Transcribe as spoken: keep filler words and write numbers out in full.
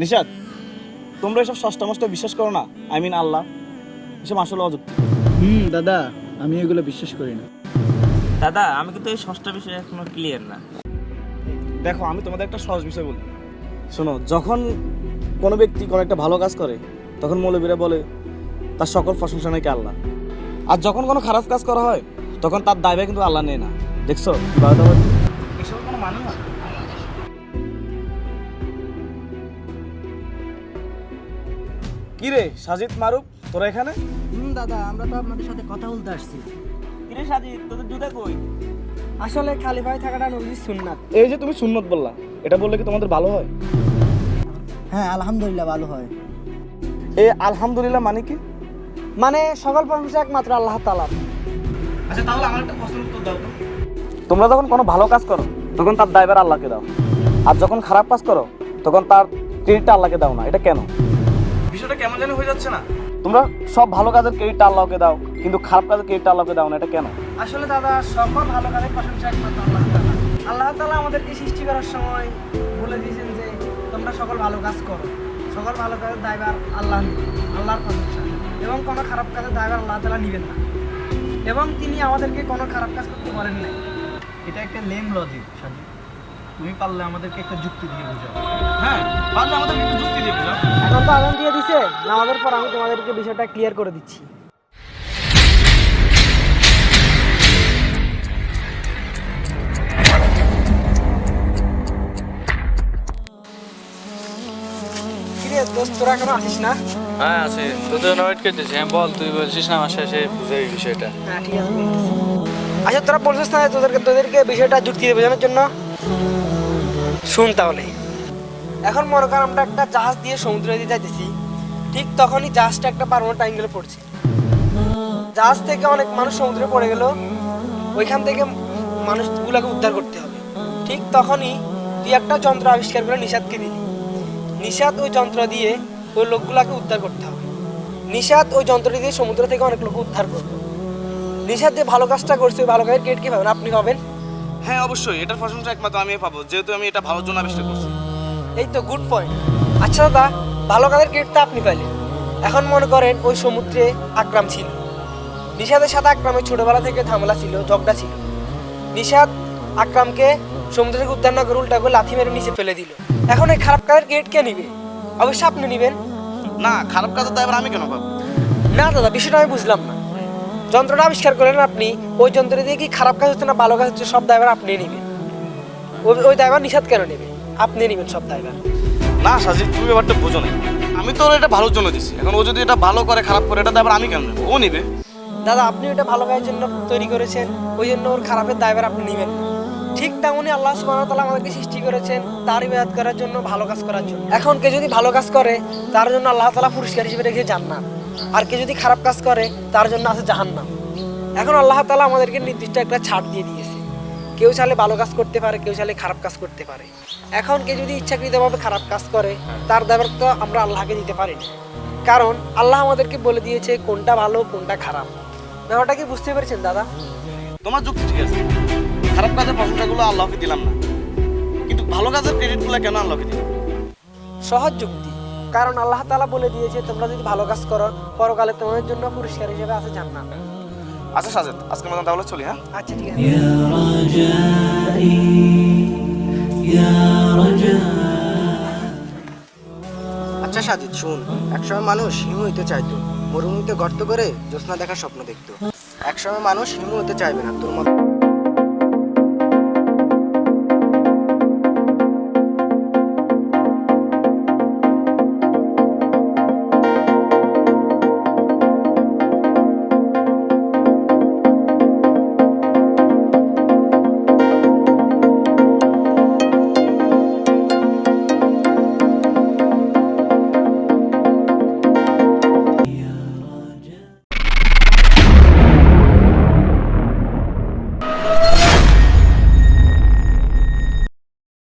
নিশাদ, তোমরা এসব ষষ্ঠ মষ্ট বিশ্বাস করো না? আই মিন আল্লাহ, এসব আসলে অযুক্তি। হুম দাদা, আমি এগুলো বিশ্বাস করি না। দাদা আমি কিন্তু এই ষষ্ঠ বিষয় এখনো ক্লিয়ার না। দেখো, আমি তোমাদের একটা সহজ বিষয় বলি, শোনো। যখন কোনো ব্যক্তি কোনো একটা ভালো কাজ করে, তখন মৌলবীরা বলে তার সকল প্রশংসা নাকি আল্লাহ। আর যখন কোনো খারাপ কাজ করা হয়, তখন তার দায়ভার কিন্তু আল্লাহ নেয় না। দেখছো এসব কোনো মানে হয়? কি রে সাজিদ, মারুফ, তোরা এখানে? হুম দাদা, আমরা তো আপনাদের সাথে কথা বলতে আসছি। কিরে সাজিদ, তোদের জুতা কই? আসলে খালি পায়ে থাকাটা নবীর সুন্নাত। এই যে তুমি সুন্নত বললা, এটা বললে কি তোমাদের ভালো হয়? হ্যাঁ আলহামদুলিল্লাহ ভালো হয়। এ আলহামদুলিল্লাহ মানে কি? মানে সকল প্রশংসা একমাত্র আল্লাহ তাআলার। আচ্ছা তাহলে আমার একটা প্রশ্নের উত্তর দাও তো। তোমরা যখন কোনো ভালো কাজ করো, তখন তার দায়ভার আল্লাহকে দাও, আর যখন খারাপ কাজ করো, তখন তার ক্রেডিটটা আল্লাহকে দাও না। এটা কেন? বিষয়টা কেমন জানি হয়ে যাচ্ছে না? তোমরা সব ভালো কাজের ক্রেডিটটা আল্লাহকে দাও, কিন্তু খারাপ কাজের ক্রেডিটটা আল্লাহকে দাও না। এটা কেন? আসলে দাদা, সকল ভালো কাজের প্রশংসা একমাত্র আল্লাহ তাআলা। আল্লাহ তাআলা আমাদেরকে সৃষ্টি করার সময় বলে দিয়েছেন যে তোমরা সকল ভালো কাজ করো। সকল ভালো কাজের দায়ভার আল্লাহ নেবেন, আল্লাহর প্রশংসা, এবং কোনো খারাপ কাজের দায়ভার আল্লাহ তাআলা নেবেন না। এবং তিনি আমাদেরকে কোনো খারাপ কাজ করতে বলেন নাই। এটা একটা লেম লজিক সাজি, তুমি পারলে আমাদেরকে একটা যুক্তি দিয়ে বোঝাও। হ্যাঁ, পারলে আমাদের একটু যুক্তি দিয়ে বোঝাও। এখন তো আজান দিয়ে দিছে, নামাজের পর আমি তোমাদেরকে বিষয়টা ক্লিয়ার করে দিচ্ছি। কিরে দোস্ত, তোরা এখনো আসিস না? হ্যাঁ আছে, তোর জন্য ওয়েট করতেছি। হ্যাঁ বল, তুই বলছিস না আমার শেষে বুঝাই বিষয়টা। হ্যাঁ ঠিক আছে, বলতেছি। আচ্ছা তোরা বলছিস না তোদেরকে তোদেরকে বিষয়টা যুক্তি দিয়ে বোঝানোর জন্য? শুন তাহলে। এখন মনে কর আমরা একটা জাহাজ দিয়ে সমুদ্রে দিয়ে যাইতেছি, ঠিক তখনই জাহাজটা একটা পারমানেন্ট অ্যাঙ্গেলে পড়ছে। জাহাজ থেকে অনেক মানুষ সমুদ্রে পড়ে গেল, ওইখান থেকে মানুষগুলোকে উদ্ধার করতে হবে। ঠিক তখনই তুই একটা যন্ত্র আবিষ্কার করে নিষাদকে দিলি। নিষাদ ওই যন্ত্র দিয়ে ওই লোকগুলাকে উদ্ধার করতে হবে। নিষাদ ওই যন্ত্রটি দিয়ে সমুদ্র থেকে অনেক লোক উদ্ধার করবে। নিষাদ যে ভালো কাজটা করছে, ওই ভালো কাজের ক্রেডিট কি পাবেন? আপনি পাবেন। হ্যাঁ অবশ্যই, এটার প্রশংসা একমাত্র আমি পাবো, যেহেতু আমি এটা ভালোর জন্য আবিষ্কার করছি। এই তো গুড পয়েন্ট। আচ্ছা দাদা, ভালো কাজের ক্রেডিটটা আপনি পাইলেন। এখন মনে করেন ওই সমুদ্রে আকরাম ছিল। নিষাদের সাথে আকরামের ছোটবেলা থেকে ঝামেলা ছিল, ঝগড়া ছিল। নিষাদ আকরামকে সমুদ্র থেকে উদ্ধার না করে উল্টা করে লাথি মেরে নিচে ফেলে দিল। এখন এই খারাপ কাজের ক্রেডিট কে নিবে? অবশ্যই আপনি নিবেন। না, খারাপ কাজের দায়ভার আমি কেন পাবো? না দাদা, বিষয়টা আমি বুঝলাম না। যন্ত্রটা আবিষ্কার করলেন আপনি, ওই যন্ত্র দিয়ে কি খারাপ কাজ হচ্ছে না ভালো কাজ হচ্ছে, সব দায়ভার আপনি নেবেন। ওই ওই দায়ভার নিষাদ কেন নেবে? আপনি নেবেন সব দায়ভার। না সাজিদ, তুমি ব্যাপারটা বোঝো না। আমি তো ওর এটা ভালোর জন্য দিছি, এখন ও যদি এটা ভালো করে খারাপ করে, এটা দায়ভার আমি কেন নেবো? ও নিবে। দাদা আপনি ওটা ভালো কাজের জন্য তৈরি করেছেন, ওই জন্য ওর খারাপের দায়ভার আপনি নেবেন না। ঠিক তেমনই আল্লাহ সুবহানাহু ওয়া তাআলা আমাদেরকে সৃষ্টি করেছেন তার ইবাদত করার জন্য, ভালো কাজ করার জন্য। এখন কে যদি ভালো কাজ করে, তার জন্য আল্লাহ তাআলা পুরস্কার হিসেবে রেখে জান্নাত, আর কে যদি খারাপ কাজ করে, তার জন্য আছে জাহান্নাম। এখন আল্লাহ তাআলা আমাদেরকে নির্দিষ্ট একটা ছাড় দিয়ে দিয়েছে। কেউ চাইলে ভালো কাজ করতে পারে, কেউ চাইলে খারাপ কাজ করতে পারে। এখন কে যদি ইচ্ছাকৃতভাবে খারাপ কাজ করে, তার দায়ভার তো আমরা আল্লাহকে দিতে পারি না, কারণ আল্লাহ আমাদেরকে বলে দিয়েছে কোনটা ভালো কোনটা খারাপ। ব্যাপারটা কি বুঝতে পেরেছেন দাদা? তোমার যুক্তি ঠিক আছে, খারাপ কাজের প্রশংসাগুলো আল্লাহকে দিলাম না, কিন্তু ভালো কাজের ক্রেডিটগুলো কেন আল্লাহকে দিলাম? সহজ যুক্তি, কারণ আল্লাহ তাআলা বলে দিয়েছে তোমরা যদি ভালো কাজ করো, পরকালে তোমাদের জন্য পুরস্কার হিসেবে আছে জান্নাত। আচ্ছা সাজেদ, আজকের মতন তাহলে চলি। হ্যাঁ আচ্ছা ঠিক আছে। يا رجائي يا رجائي আচ্ছা সাজিদ শুন, একসময় মানুষ হিমু হইতে চাইতো, মরুভূমিতে গর্ত করে জ্যোৎস্না দেখার স্বপ্ন দেখতো। একসময় মানুষ হিমু হতে চাইবে না, তোর মত